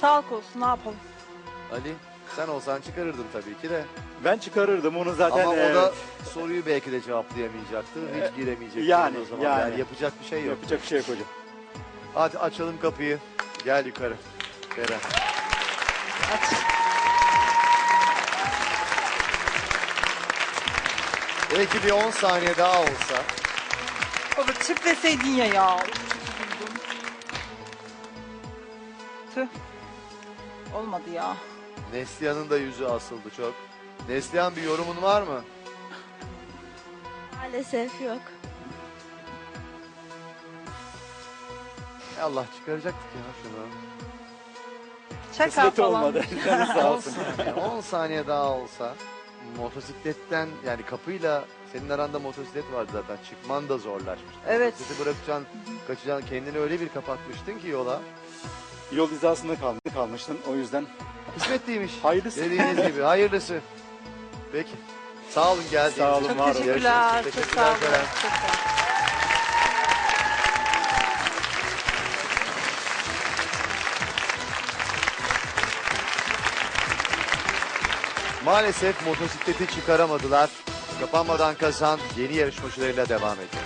Sağlık olsun, ne yapalım? Ali, sen olsan çıkarırdın tabii ki de. Ben çıkarırdım onu zaten. Ama o da soruyu belki de cevaplayamayacaktı. Hiç giremeyecekti Yani, o zaman. yani. Yapacak bir şey yok. Yapacak bir şey yok hocam. Hadi açalım kapıyı. Gel yukarı. Beren. Aç. Belki bir 10 saniye daha olsa. Baba çık deseydin ya. Çok üzüldüm. Tüh. Olmadı ya. Neslihan'ın da yüzü asıldı çok. Neslihan, bir yorumun var mı? Maalesef yok. Allah, çıkaracaktık ya şunu. Şaka Kısmet falan. olmadı. Canı sağ 10 olsun. saniye, 10 saniye daha olsa motosikletten, yani kapıyla senin aranda motosiklet vardı zaten, çıkman da zorlaşmıştı. Evet. Motosikleti bırakacaksın, kaçacaksın, kendini öyle bir kapatmıştın ki yola. Yol hizasında kalmıştın o yüzden. Kısmetliymiş. Hayırlısı. Dediğiniz gibi hayırlısı. Peki. Sağ olun geldiğiniz Sağ için. olun, Çok var olun. teşekkürler. Görüşürüz. Çok sağ olun. Ceren. Çok sağ olun. Maalesef motosikleti çıkaramadılar. Kapanmadan kazan yeni yarışmacılarıyla devam ediyor.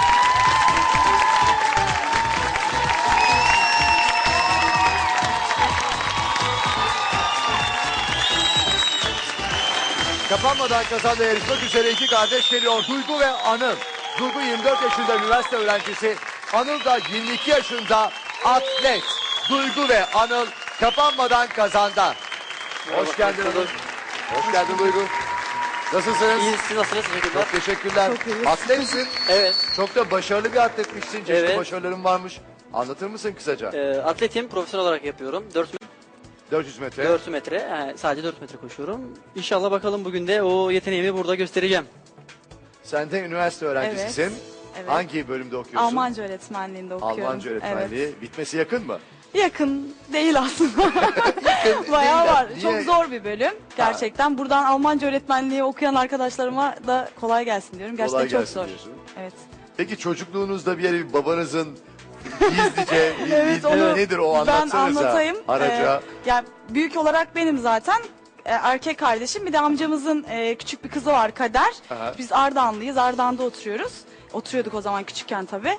Kapanmadan kazanla yarışmak üzere iki kardeş geliyor. Duygu ve Anıl. Duygu 24 yaşında üniversite öğrencisi. Anıl da 22 yaşında atlet. Duygu ve Anıl kapanmadan kazanda. Hoş geldin Anıl. Hoş geldin Duygu. Nasılsınız? İyi, siz nasılsınız? Teşekkürler. Çok teşekkürler. Atletsin. Evet, Çok da başarılı bir atletmişsin. Çeşitli Evet. başarıların varmış. Anlatır mısın kısaca? atletim profesyonel olarak yapıyorum. 400 metre. 4 metre, yani sadece 4 metre koşuyorum. İnşallah bakalım bugün de o yeteneğimi burada göstereceğim. Sen de üniversite öğrencisisin. Evet. Hangi bölümde okuyorsun? Almanca öğretmenliğinde okuyorum. Almanca öğretmenliği. Evet. Bitmesi yakın mı? Yakın değil aslında. Bayağı Değil var. de. Çok Niye? zor bir bölüm. Gerçekten buradan Almanca öğretmenliği okuyan arkadaşlarıma da kolay gelsin diyorum. Gerçekten Kolay çok gelsin zor. diyorsun. Evet. Peki çocukluğunuzda bir yere bir babanızın gizlice Evet, onu nedir o, ben anlatsanıza. anlatayım. Araca. Yani büyük olarak benim zaten. Erkek kardeşim, bir de amcamızın küçük bir kızı var, Kader. Aha. Biz Ardahanlıyız. Ardahan'da oturuyoruz. Oturuyorduk o zaman küçükken tabii.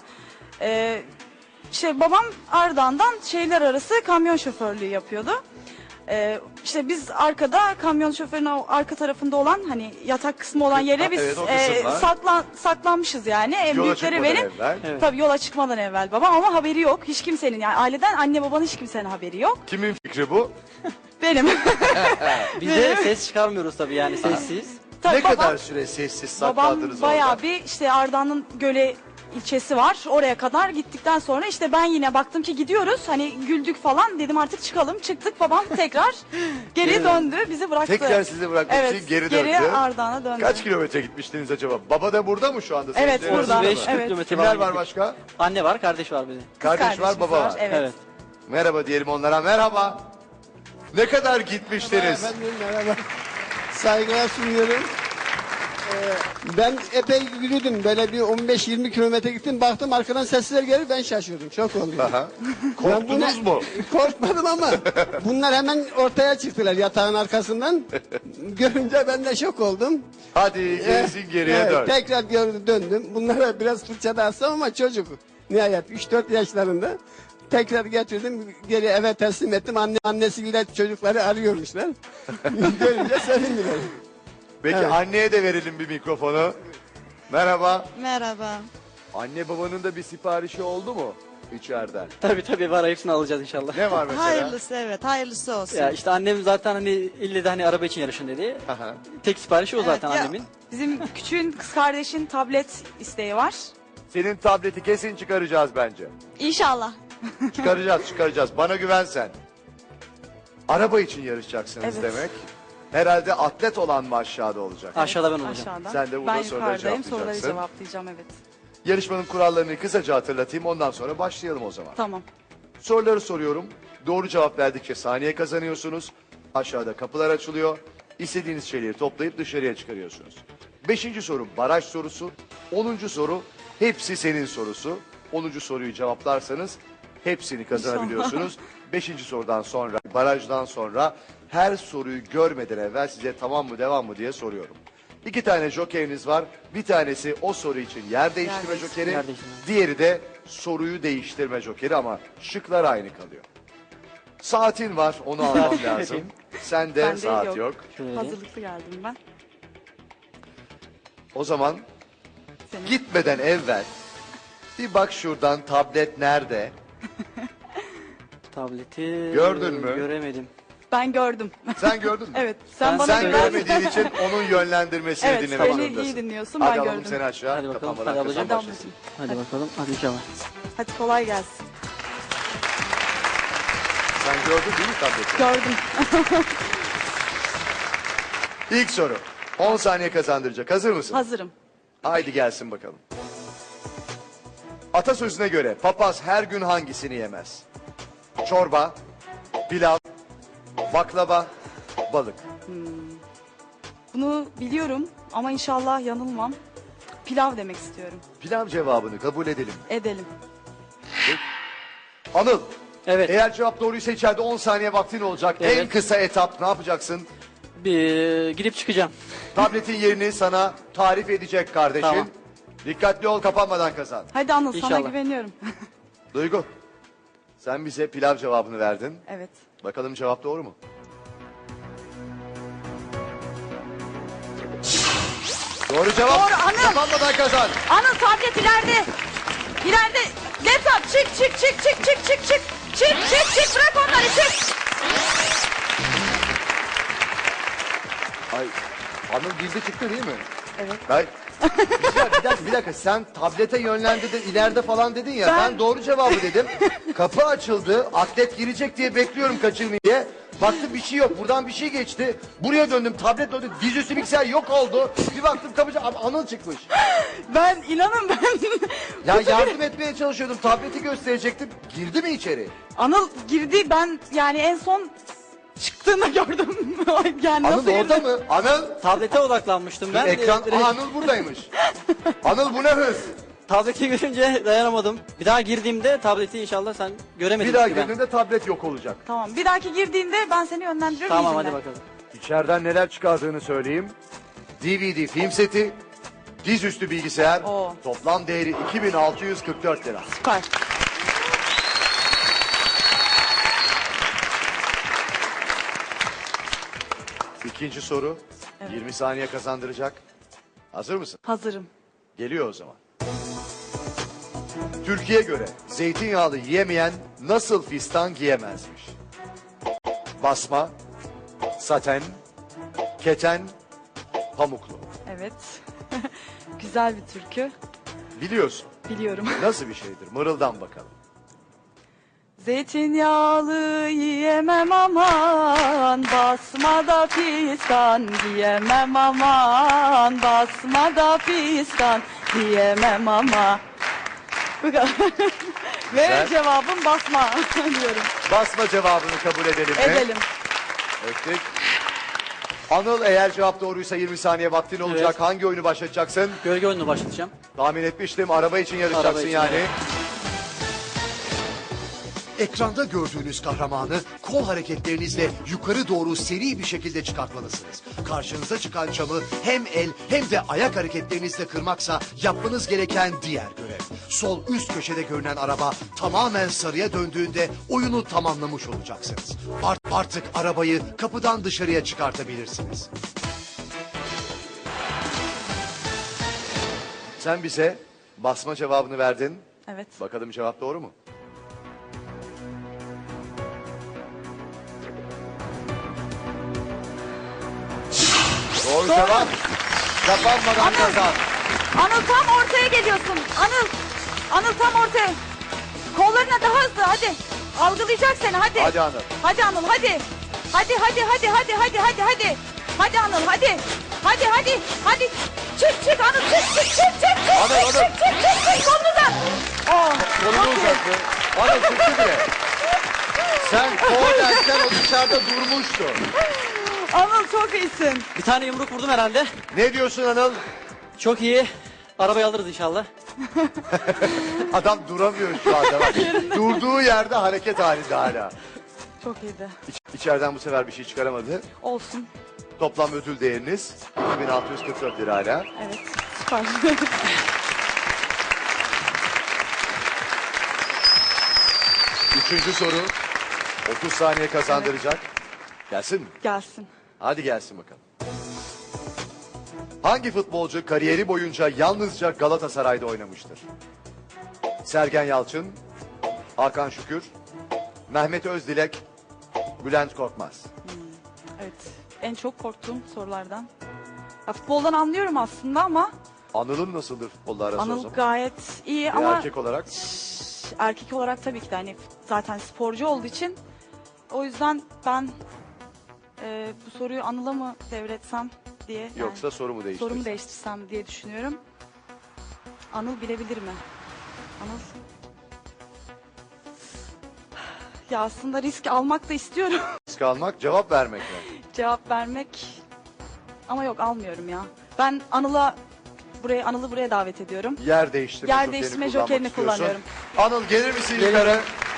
Babam Ardahan'dan şehirler arası kamyon şoförlüğü yapıyordu. İşte biz arkada, kamyon şoförünün arka tarafında olan, hani yatak kısmı olan yere biz Evet, o kısımlar. saklanmışız yani. En Yola büyükleri çıkmadan benim. evvel. Evet. Tabii yola çıkmadan evvel babam, ama haberi yok. Hiç kimsenin, yani aileden anne babanın hiç kimsenin haberi yok. Kimin fikri bu? Benim. Biz de ses çıkarmıyoruz tabii, yani sessiz. Tabii Ne kadar süre sessiz saklandınız babam orada? bayağı bir, işte Ardahan'ın Göle ilçesi var. Oraya kadar gittikten sonra işte ben yine baktım ki gidiyoruz. Hani güldük falan, dedim artık çıkalım. Çıktık, babam tekrar geri döndü. Bizi bıraktı. Tekrar sizi bırakmak Evet, için geri geri döndü. Ardahan'a döndü. Kaç kilometre gitmiştiniz acaba? Baba da burada mı şu anda? Evet, Sevgili burada. arasında 35 mı? Evet. kilometre Kimler falan var gittik. başka? Anne var, kardeş var bizim. Kız Kardeş var, kardeşimiz baba var. Evet. Evet. Merhaba diyelim onlara. Merhaba. Ne kadar gitmiştiniz? Efendim merhaba. Saygılar sunuyorum. Ben epey yürüdüm. Böyle bir 15-20 kilometre gittim. Baktım arkadan sesler gelir, ben şaşırdım. Şok oldum. Aha. Ben Korktunuz mu? Korkmadım ama bunlar hemen ortaya çıktılar yatağın arkasından. Görünce ben de şok oldum. Hadi gerisin geriye Evet, dön. tekrar döndüm. Bunlara biraz fırça da atsam ama çocuk. Nihayet 3-4 yaşlarında. Tekrar getirdim, geri eve teslim ettim. Annesi bile çocukları arıyormuşlar. Görünce sevindiler. Peki Evet. anneye de verelim bir mikrofonu. Merhaba. Merhaba. Anne babanın da bir siparişi oldu mu içeriden? Tabii var, hepsini alacağız inşallah. Ne var mesela? Hayırlısı, evet, hayırlısı olsun. Ya işte annem zaten hani ille de hani araba için yarışın dedi. Aha. Tek siparişi o zaten ya- annemin. Bizim küçüğün kız kardeşin tablet isteği var. Senin tableti kesin çıkaracağız bence. İnşallah. Çıkaracağız. Bana güven sen. Araba için yarışacaksınız Evet. demek. Herhalde atlet olan mı aşağıda olacak? Aşağıda ben olacağım. Aşağıdan. Sen de burada ben soruları yukarıdayım, soruları cevaplayacaksın. cevaplayacağım, evet. Yarışmanın kurallarını kısaca hatırlatayım, ondan sonra başlayalım o zaman. Tamam. Soruları soruyorum. Doğru cevap verdikçe saniye kazanıyorsunuz. Aşağıda kapılar açılıyor. İstediğiniz şeyleri toplayıp dışarıya çıkarıyorsunuz. 5. soru baraj sorusu. 10. soru hepsi senin sorusu. 10. soruyu cevaplarsanız hepsini kazanabiliyorsunuz. 5. sorudan sonra, barajdan sonra her soruyu görmeden evvel size tamam mı devam mı diye soruyorum. 2 tane jokeriniz var. Bir tanesi o soru için yer değiştirme jokeri. Yer değiştirme. Diğeri de soruyu değiştirme jokeri ama şıklar aynı kalıyor. Saatin var, onu almam lazım. Sende Bende saat yok. yok. Şöyle vereyim. Hazırlıklı geldim ben. O zaman Senin. gitmeden evvel bir bak şuradan tablet nerede? Tableti Gördün mü? Göremedim. Ben gördüm. Sen gördün mü? Evet. Sen Ben bana Sen güven. görmediğin için onun yönlendirmesini Evet, dinlemek seni zorundasın. iyi dinliyorsun, Hadi ben alalım gördüm. seni aşağı. Hadi bakalım. Kapanmadan Hadi ablacığım. kazan Hadi başlasın. Hadi bakalım. Hadi inşallah. Hadi kolay gelsin. Sen gördün değil mi tableti? Gördüm. İlk soru. 10 saniye kazandıracak. Hazır mısın? Hazırım. Haydi gelsin bakalım. Atasözüne göre papaz her gün hangisini yemez? Çorba, pilav, baklava, balık. Bunu biliyorum ama inşallah yanılmam. Pilav demek istiyorum. Pilav cevabını kabul edelim. Edelim. Anıl, Evet. eğer cevap doğruysa içeride 10 saniye vaktin olacak. En Evet. kısa etap ne yapacaksın? Bir gidip çıkacağım. Tabletin yerini sana tarif edecek kardeşin. Tamam. Dikkatli ol, kapanmadan kazan. Hadi Anıl, sana İnşallah. güveniyorum. Duygu, sen bize pilav cevabını verdin. Evet. Bakalım cevap doğru mu? Doğru cevap. Doğru, Anıl. Kapanmadan kazan. Anıl, tablet ileride. İleride. Laptop çık çık çık çık çık çık çık. Çık çık çık, bırak onları, çık. Ay, Anıl bildi çıktı değil mi? Evet. Ay. Bir dakika sen tablete yönlendirdin ileride falan dedin ya ben Ben- doğru cevabı dedim. Kapı açıldı atlet girecek diye bekliyorum kaçırmayı diye. Baktım bir şey yok buradan bir şey geçti. Buraya döndüm tablet döndü dizüstü bilgisayar yok oldu. Bir baktım kapıcı Anıl çıkmış. Ben inanın ben. Ya yardım etmeye çalışıyordum tableti gösterecektim. Girdi mi içeri? Anıl girdi, ben yani en son çıktığında gördüm. Yani Anıl nasıl orada girdi? mı? Anıl? Tablete odaklanmıştım ben. Ekran Direkt Anıl buradaymış. Anıl bu ne hız? tableti görünce dayanamadım. Bir daha girdiğimde tableti inşallah sen göremedin. Bir daha çünkü ben. girdiğinde tablet yok olacak. Tamam, bir dahaki girdiğinde ben seni yönlendiriyorum. Tamam iyi hadi dinle. bakalım. İçeriden neler çıkardığını söyleyeyim. DVD film seti, dizüstü bilgisayar, Oo. toplam değeri 2644 lira. Süper. İkinci soru, Evet. 20 saniye kazandıracak. Hazır mısın? Hazırım. Geliyor o zaman. Türkiye göre zeytinyağlı yiyemeyen nasıl fistan giyemezmiş? Basma, saten, keten, pamuklu. Evet. Güzel bir türkü. Biliyorsun. Biliyorum. Nasıl bir şeydir? Mırıldan bakalım. Zeytinyağlı yiyemem aman, basmada pistan diyemem aman, basmada pistan diyemem ama. Bu kadar. Ve Güzel. cevabım basma diyorum. Basma cevabını kabul edelim mi? Edelim. Ettik. Anıl eğer cevap doğruysa 20 saniye vaktin olacak. Evet. Hangi oyunu başlatacaksın? Gölge oyununu başlatacağım. Tahmin etmiştim. Araba için yarışacaksın Araba için, yani. evet. Ekranda gördüğünüz kahramanı kol hareketlerinizle yukarı doğru seri bir şekilde çıkartmalısınız. Karşınıza çıkan camı hem el hem de ayak hareketlerinizle kırmaksa yapmanız gereken diğer görev. Sol üst köşede görünen araba tamamen sarıya döndüğünde oyunu tamamlamış olacaksınız. Artık arabayı kapıdan dışarıya çıkartabilirsiniz. Sen bize basma cevabını verdin. Evet. Bakalım cevap doğru mu? Doğru cevap. Kapanmadan Anıl. kazan. Anıl tam ortaya geliyorsun. Anıl tam ortaya. Kollarına daha hızlı, hadi. Algılayacak seni, hadi. Hadi Anıl. Hadi Anıl, hadi. Hadi. Hadi Anıl, hadi. Hadi. Çık Anıl, çık. Anıl. Çık kolunu da. Oh, Kolunu çok iyi. uzattı. Anıl çıktı bile. Sen kornerken o dışarıda durmuştu. Anıl çok iyisin. Bir tane yumruk vurdum herhalde. Ne diyorsun Anıl? Çok iyi. Arabayı alırız inşallah. Adam duramıyor şu anda. Bak. Durduğu yerde hareket halinde hala. Çok iyiydi. İçeriden bu sefer bir şey çıkaramadı. Olsun. Toplam ödül değeriniz 2644 lira hala. Evet. Süper. Üçüncü soru 30 saniye kazandıracak. Gelsin mi? Gelsin. Hadi gelsin bakalım. Hangi futbolcu kariyeri boyunca yalnızca Galatasaray'da oynamıştır? Sergen Yalçın, Hakan Şükür, Mehmet Özdilek, Bülent Korkmaz. Evet. En çok korktuğum sorulardan. Ya, futboldan anlıyorum aslında ama Anıl'ın nasıldır futbolla arası o Anıl zaman? gayet iyi Bir ama erkek olarak. erkek olarak tabii ki de hani zaten sporcu olduğu için o yüzden ben bu soruyu Anıl'a mı devretsem diye yani Yoksa soru mu değiştirirsin? sorumu değiştirsem diye düşünüyorum. Anıl bilebilir mi? Anıl. Ya aslında risk almak da istiyorum. Risk almak, cevap vermek mi? Cevap vermek ama yok almıyorum ya. Ben Anıl'ı buraya davet ediyorum. Yer değiştirme, Yer jokerini değiştirme kullanmak jokerini istiyorsun. kullanıyorum. Anıl gelir misin yukarı?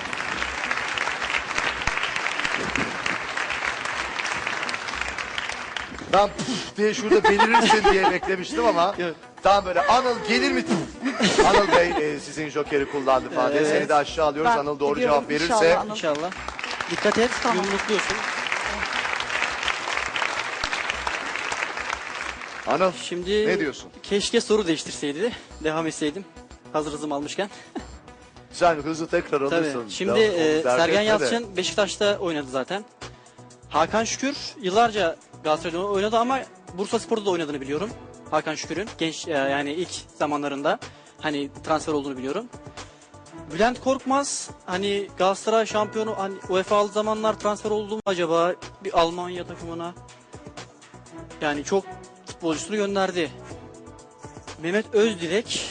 Ben puf diye şurada belirirsin diye beklemiştim ama tam böyle Anıl gelir mi? Anıl Bey sizin jokeri kullandı falan diye. Seni de aşağı alıyoruz. Ben Anıl doğru gidiyorum cevap verirse. inşallah Anıl. İnşallah. Dikkat et. Tamam. Yumrukluyorsun. Anıl Şimdi ne diyorsun? keşke soru değiştirseydi. Devam etseydim. Hazır hızım almışken. Sen hızı tekrar Tabii. alırsın. Şimdi Tamam, onu dert Sergen etme de. Yalçın Beşiktaş'ta oynadı zaten. Hakan Şükür yıllarca Galatasaray'da oynadı ama Bursaspor'da da oynadığını biliyorum. Hakan Şükür'ün genç yani ilk zamanlarında hani transfer olduğunu biliyorum. Bülent Korkmaz hani Galatasaray şampiyonu hani UEFA'lı zamanlar transfer oldu mu acaba bir Almanya takımına? Yani çok futbolcusunu gönderdi. Mehmet Özdilek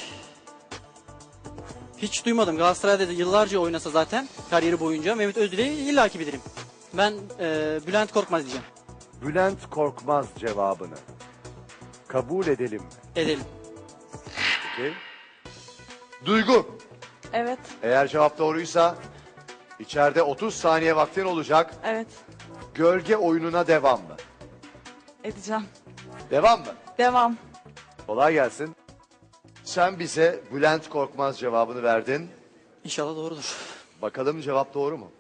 hiç duymadım. Galatasaray'da da yıllarca oynasa zaten kariyeri boyunca Mehmet Özdilek'i illaki bilirim. Ben Bülent Korkmaz diyeceğim. Bülent Korkmaz cevabını kabul edelim mi? Edelim. Peki. Duygu. Evet, Eğer cevap doğruysa içeride 30 saniye vaktin olacak. evet Gölge oyununa devam mı? edeceğim. Devam mı? Devam. Kolay gelsin. Sen bize Bülent Korkmaz cevabını verdin. İnşallah doğrudur. Bakalım cevap doğru mu?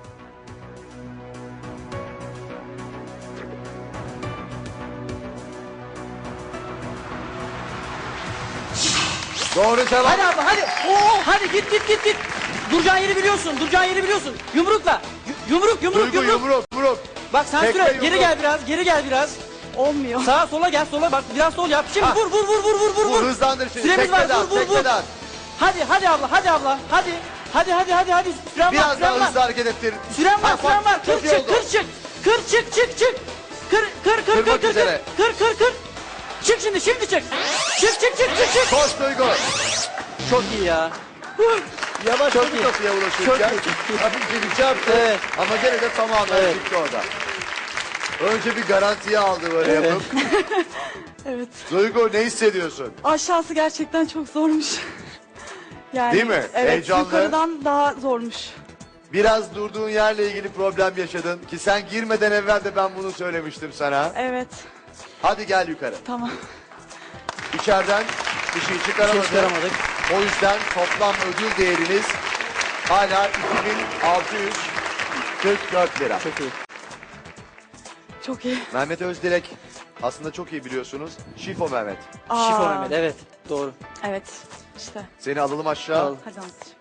Doğru cevap. Hadi abla hadi. Oo, hadi git. Duracağın yeri biliyorsun. Yumrukla. Yumruk. Duygu yumruk. Bak sen Tekme süre. yumruk. Geri gel biraz. Olmuyor. Sağa sola gel sola bak biraz sol yap. Şimdi Ha. vur. Vur hızlandır şimdi. Süremiz var, Tekmeden, vur. tekmeden. Hadi abla. Hadi. Süren Biraz var. daha hızlı hareket ettir. Süren var. Çok iyi oldu. Kır çık. Kırmak üzere. Kır. Çık şimdi çık. Çık. Koş Duygu. Çok iyi ya. Yavaş Çok bir iyi. kapıya ulaşırken hafif bir çarptı Evet. ama gene de tamamen Evet. çıktı orada. Önce bir garantiye aldı böyle yapıp. Evet. Duygu ne hissediyorsun? Aşağısı gerçekten çok zormuş. Yani, Değil mi? Evet, Heyecanlı. yukarıdan daha zormuş. Biraz durduğun yerle ilgili problem yaşadın ki sen girmeden evvel de ben bunu söylemiştim sana. Evet, Hadi gel yukarı. tamam. İçeriden bir şey çıkaramadın. çıkaramadık. O yüzden toplam ödül değeriniz hala 2644 lira. Çok iyi. Çok iyi. Mehmet Özdilek aslında çok iyi biliyorsunuz. Şifo Mehmet. Şifo Mehmet evet doğru. Evet, işte. Seni alalım aşağı. Alalım. Hadi anlatacağım.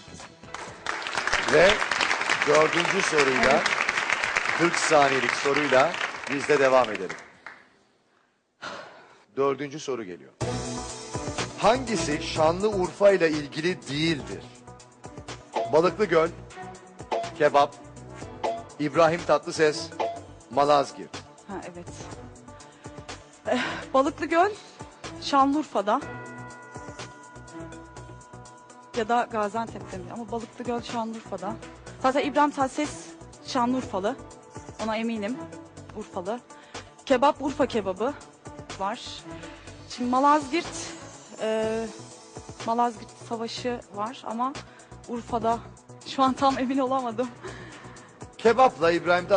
Ve 4. soruyla 40 saniyelik soruyla biz de devam edelim. 4. soru geliyor. Hangisi Şanlıurfa ile ilgili değildir? Balıklı Göl, kebap, İbrahim Tatlıses, Malazgirt. Ha evet. Balıklıgöl Şanlıurfa'da. Ya da Gaziantep'te mi? Ama Balıklıgöl Şanlıurfa'da. Zaten İbrahim Tatlıses Şanlıurfalı. Ona eminim. Urfalı. Kebap Urfa kebabı var. Şimdi Malazgirt Malazgirt Savaşı var ama Urfa'da şu an tam emin olamadım. Kebapla İbrahim